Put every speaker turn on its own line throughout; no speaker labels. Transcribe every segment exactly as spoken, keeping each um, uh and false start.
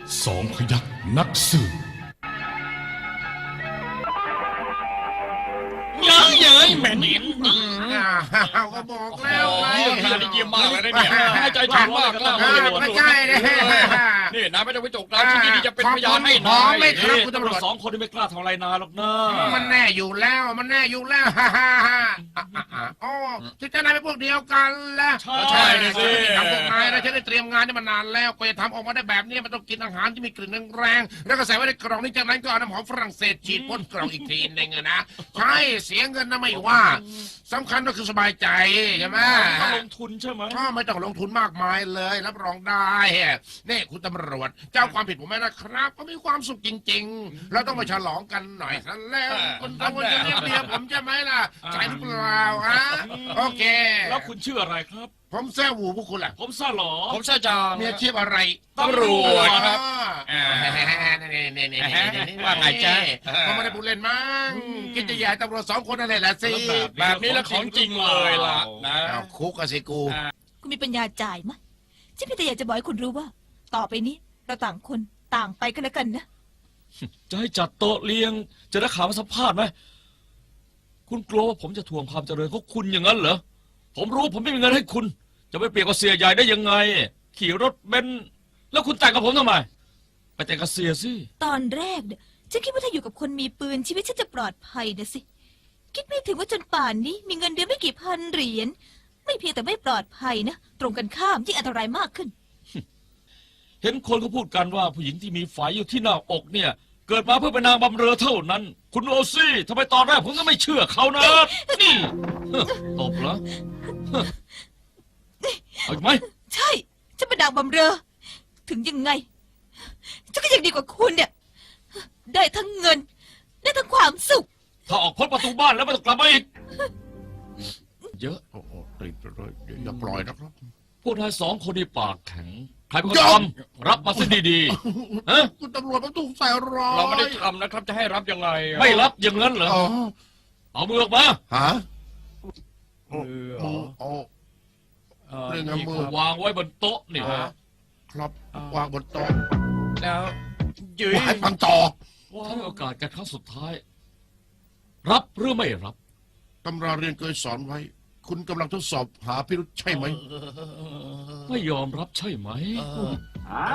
สองพยัคฆ์นักสืบ
เย้ยเย้ยเหม็นเหม็น
อ้าวก็บอกแล้วไง
เยี่ยมที่เยี่ยมมากเลยนะเนี่ยให้ใจถึงมากกล้ามาเลย
ไม่ใช่เนี่ย
นี่นายไม่ต้องไปจกตาที่นี่จะเป็นพยานให้นาย
ไม่ครับคุณตำรวจ
สองคนที่ไม่กล้าทำอะไรนายหรอกนะ
มันแน่อยู่แล้วมันแน่อยู่แล้วฮ่าฮ่าฮ่าอ๋อที่จะนายเป็นพวกเดียวกันแล้ว
ใช่เลยสิ
ทำพวกนายนะฉันได้เตรียมงานนี่มานานแล้วก็จะทำออกมาได้แบบนี้มันต้องกินอาหารที่มีกลิ่นแรงๆแล้วก็ใส่ไว้ในกล่องนี้จากนั้นก็เอาน้ำหอมฝรั่งเศสฉีดพ่นกล่องอีกทีนึงนะใช่เสียเงินนะไม่ว่าสำคัญก็คือสบายใจใช่ไหม
ถ้าลงทุนใช่ไหม
ถ้าไม่ต้องลงทุนมากมายเลยรับรองได้นี่คุณตำรวจเจ้าความผิดผมไม่นะครับก็มีความสุขจริงๆเราต้องมาฉลองกันหน่อยนั่นแล้วคุณตำรวจจะเรียกเมียผมใช่ไหมล่ะใช่หรือเปล่าฮะโอเค
แล้วคุณชื่ออะไรครับ
ผมแซ่หูพวกคุณล่ะ
ผมซ่าหรอ
ผมใช่จา
มีอาชีพอะไร
ตำรวจครับ
อ่านี่ๆๆๆ
ว่าไงจ๊ะ
เขาไม่ได้พูดเล่นมั้งกินจะใหญ่ตำรวจสองคนนั่นแหละสิ
แบบนี้แล้วของจริงเลยล่ะนะ
เอาคุกกันสิกู
คุณมีปัญญาจ่ายไหมฉันเพียงแต่อยากจะบอกให้คุณรู้ว่า ต่อไปนี้เราต่างคนต่างไปกันแล้วกันนะ
จะให้จัดโต๊ะเลี้ยง จะได้ข่าวมาสัมภาษณ์ไหมคุณกลัวว่าผมจะทวงความเจริญของคุณอย่างนั้นเหรอผมรู้ผมไม่มีเงินให้คุณ จะไปเปรียบกับเสียใหญ่ได้ยังไง ขี่รถเบนซ์แล้วคุณแต่งกับผมทำไมไปแต่งกับเสียสิ
ตอนแรกเนี่ยฉันคิดว่าถ้าอยู่กับคนมีปืนชีวิตฉันจะปลอดภัยนะสิคิดไม่ถึงว่าจนป่านนี้มีเงินเดือนไม่กี่พันเหรียญไม่เพียงแต่ไม่ปลอดภัยนะตรงกันข้ามยิ่งอันตรายมากขึ้น
เห็นคนเขาพูดกันว่าผู้หญิงที่มีไฟอยู่ที่หน้าอกเนี่ย เกิดมาเพื่อเป็นนางบำเรอเท่านั้น คุณโอซี่ทำไมตอนแรกผมก็ไม่เชื่อเขานะนี่ตบเหรอเอาอีกไหม
ใช่ฉันเป็นนางบำเรอ ถึงยังไงฉันก็ยังดีกว่าคุณเนี่ยได้ทั้งเงินได้ทั้งความสุข
ถ้าออกพ้นประตูบ้านแล้วไม่ต้องกลับมาอีกเยอะ
โอ้โหติดเลยอย่าปล่อยนะครับ
พวกนายสองคนนี่ปากแข็งใครเป็นคน
ยอ
ท
ม
ำรับมาซะดีๆฮะ
คุณตำรวจมันถูกใส่ร้าย
เราไม่ได้ทำนะครับจะให้รับยังไง
ไม่รับอย่างนั้นเหรอ
อ๋อ
เอามือออกมา
ฮะ
มือ
มือโอ้ เรื่องเอามือ
วางไว้บนโต๊ะนี่
ครับวางบนโต๊ะ
แล้วยืย
วางฟังต่อ
ให้โอกาสกันครั้งสุดท้าย รับหรือไม่รับ
ตำราเรียนเคยสอนไว้ คุณกำลังทดสอบหาพิรุธใช่ไหม
ไม่ยอมรับใช่ไหมฮะ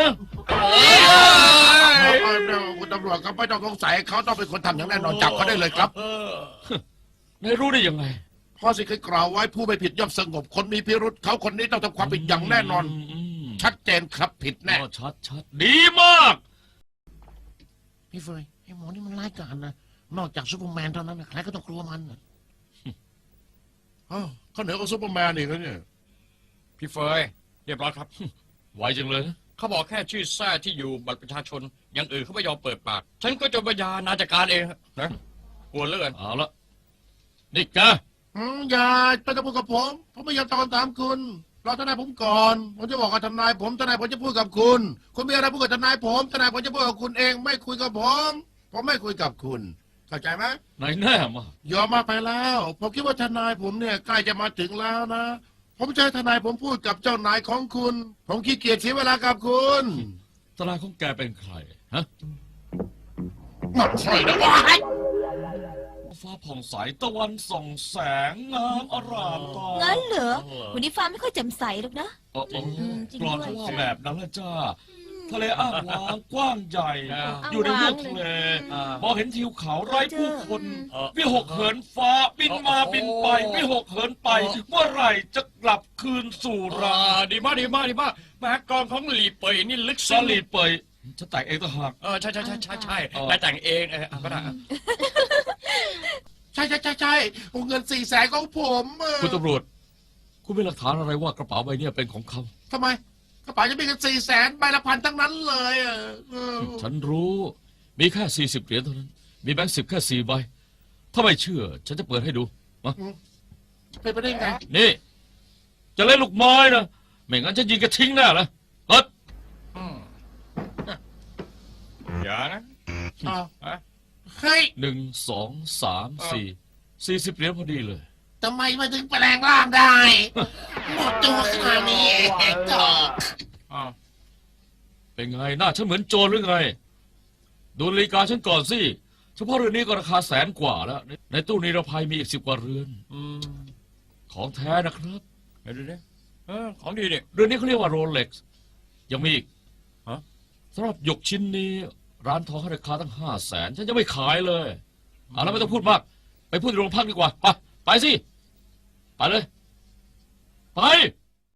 เอาเดี๋ยวคุณตำรวจครับไม่ต้องสงสัยเขาต้องเป็นคนทำอย่างแน่นอนจับเขาได้เลยครับ
นายรู้ได้ยังไง
พ่อสิเคยกล่าวไว้ผู้ไม่ผิดย่อมสงบคนมีพิรุธเขาคนนี้ต้องทำความผิดอย่างแน่นอน
ม
ชัดเจนครับผิดแน่
อ๋อชัดชัดดีมาก
พี่เฟยไอ้หมอนี่มันร้ายกาจนะนอกจากซูเปอร์แมนเท่านั้นนะใครก็ต้องกลัวมันนะอ้าวเขาเหนือกว่าซูเปอร์แมนอีกแล้วเนี่ย
พี่เฟยเรียบร้อยครับ
ไวจังเลยนะ
เขาบอกแค่ชื่อแท้ที่อยู่บัตรประชาชนอย่างอื่นเขาไม่ยอมเปิดปาก ฉันก็จะปัญญานาจัดการเองนะกลัวเหลือเกิน
เอาละนี่แก
อืมอย่าไปตะพูดกับผม ผมไม่อยากตอบคำถามคุณรอทนายผมก่อน ผมจะบอกกับทนายผมทนายผมจะพูดกับคุณ คุณมีอะไรพูดกับทนายผมทนายผมจะพูดกับคุณเอง ไม่คุยกับผม ผมไม่คุยกับคุณ เข้าใจไหม
ไหนแน่มาย
อมมาไปแล้ว ผมคิดว่าทนายผมเนี่ยใกล้จะมาถึงแล้วนะ ผมจะให้ทนายผมพูดกับเจ้านายของคุณ ผมขี้เกียจเสียเวลากับคุณ
ทนายของแกเป็นใครฮะ
ไม่ใช่นะวะ
ฟ้าผ่องใสตะวันส่องแสงงามอร่ามตา
งั้นเหรอวันนี้ฟ้าไม่ค่อยแจ่มใสหรอกนะ
โอ้โห
อืมจริง
กรอน
ด้วย
เขาว่าแบบนั้นละจ้า ทะเลอ้างว้างกว้างใหญ่
อ่า
อยู่ในลูกทะเล
อ่าม
องเห็นทิวเขาไร้ผู้คน
เออ
วิหกเหินฟ้าบินมา
โอ้โห
บินไปวิหกเหินไป เมื่อไหร่จะกลับคืนสู่
อ่
รา
าดีมากดีมากดีมากแม้กองของหลีเปยนี่ลึก
ส
ซึ้ง
ลีดเปยจะแต่งเองต่างหาก
เออใช่ใช่ใช่ใช่ใช่
เออ
ได้แต่งเองเออเอาก็ได้
ใช่ใช่ใช่ใช่วงเงินสี่แสนของผมเออ
คุณตำรวจ คุณมีหลักฐานอะไรว่ากระเป๋าใบเนี้เป็นของเขา
ทำไมกระเป๋าจะมีกันสี่แสนใบละพันทั้งนั้นเลยอะเออ
ฉันรู้ มีแค่สี่สิบเหรียญเท่านั้น มีแบงค์สิบแค่สี่ใบ ถ้าไม่เชื่อ ฉันจะเปิดให้ดูมา
เป็นไปได้ไง
นี่ จะเล่นลูกไม้นะ ไม่งั้นจะยิงกระทิ้งแน่ละเฮ้ย
อืมอย่านะ
อ้าว
ฮะ
เฮ้ย
หนึ่งสองสามสี่สี่สิบเหรียญพอดีเลย
ทำไมมาถึงแปลงร่างได้ หมดตัวขนาดนี้เองก็
อ้าว
เป็นไงหน้าฉันเหมือนโจรหรือไง ดูนาฬิกาฉันก่อนสิเฉพาะเรือนนี้ก็ราคาแสนกว่าแล้ว ในตู้นิรภัยมีอีกสิบกว่าเรือน
อืม
ของแท้นะครับ
เดี๋ยวดูดิเออของดีเนี่ย
เรือนนี้เขาเรียกว่าโรเล็กซ์ยังมีอีก
ฮะ
สำหรับหยกชิ้นนี้ ร้านทองให้ราคาตั้งห้าแสนฉันจะไม่ขายเลยเอาแล้วไม่ต้องพูดมาก ไปพูดในโรงพักดีกว่า ไป ไปสิ ไปเลย ไป